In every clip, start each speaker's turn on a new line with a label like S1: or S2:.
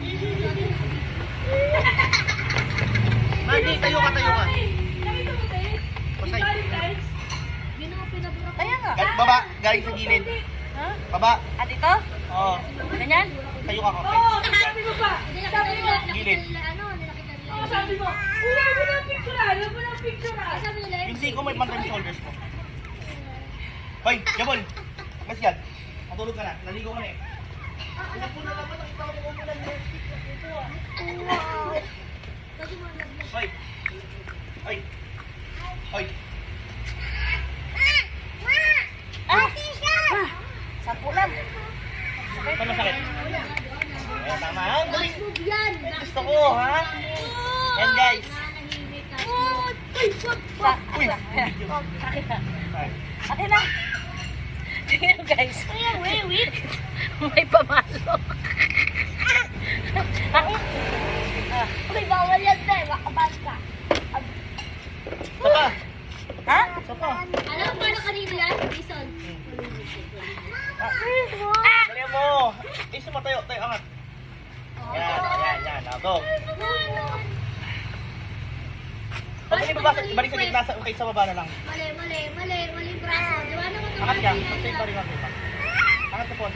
S1: Mandi, tayo ka, tayo ka.
S2: Nakita mo, te?
S1: Pasay.
S2: Kaya nga.
S1: Baba, galing sa gilid.
S2: Ha?
S1: Baba.
S2: At ito?
S1: Oo.
S2: Ganyan?
S1: Tayo ka, kape.
S2: Sabi mo pa. Sabi mo.
S1: Gilid.
S2: Sabi mo. Wala mo ng picturean. Wala mo ng picturean.
S1: Yung siko mo, ibang yung shoulders mo. Hoy, Jabol. Mas yan. Matulog ka na. Naligo ka na eh. Upo na naman. Nakita ko mo na Hoy. Hoy. Hoy.
S2: Sampu lang.
S1: Saan masakit? Ayan, tama. Ang galing. Gusto ko, ha? Yan, guys. Uy.
S2: Akin na. Tingnan guys. May pamalo. Akin. Uy, bawal yan na eh. Makabal ka.
S1: Sapa.
S2: Ha?
S1: Sapa.
S3: Alam mo paano kanina yan? Bison.
S1: Dali mo. Eh, sumatayo. Tayo, angat. Yan. Go. Pag hindi babasa, balik sa gitna, okay, sa baba na lang.
S3: Mali braso. Diba naman ito?
S1: Angat ka. Pag-save pa rin ang kita. Angat ka po.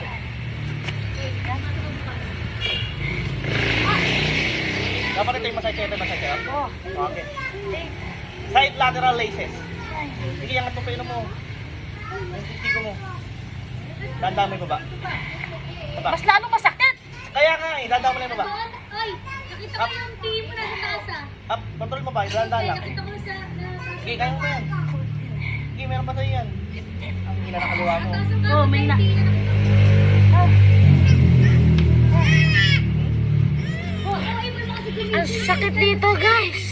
S1: Dapat ito yung masakit. Okay. Side lateral laces. Sige, angat mo pa yun mo. Yung sisiko mo. Dandang mo yung baba. Baba.
S2: Mas lalo masakit.
S1: Kaya nga eh, dandang mo lang yung baba.
S3: Ay, nakita ko yung team mo na sa tasa.
S1: Up, control mo ba? Dandang lang.
S3: Nakita ko sa...
S1: Sige, kaya mo ba yan? Sige, meron pa sa'yo yan. Ang hila na kaluwa mo.
S2: Oh, may na. Ang sakit dito guys.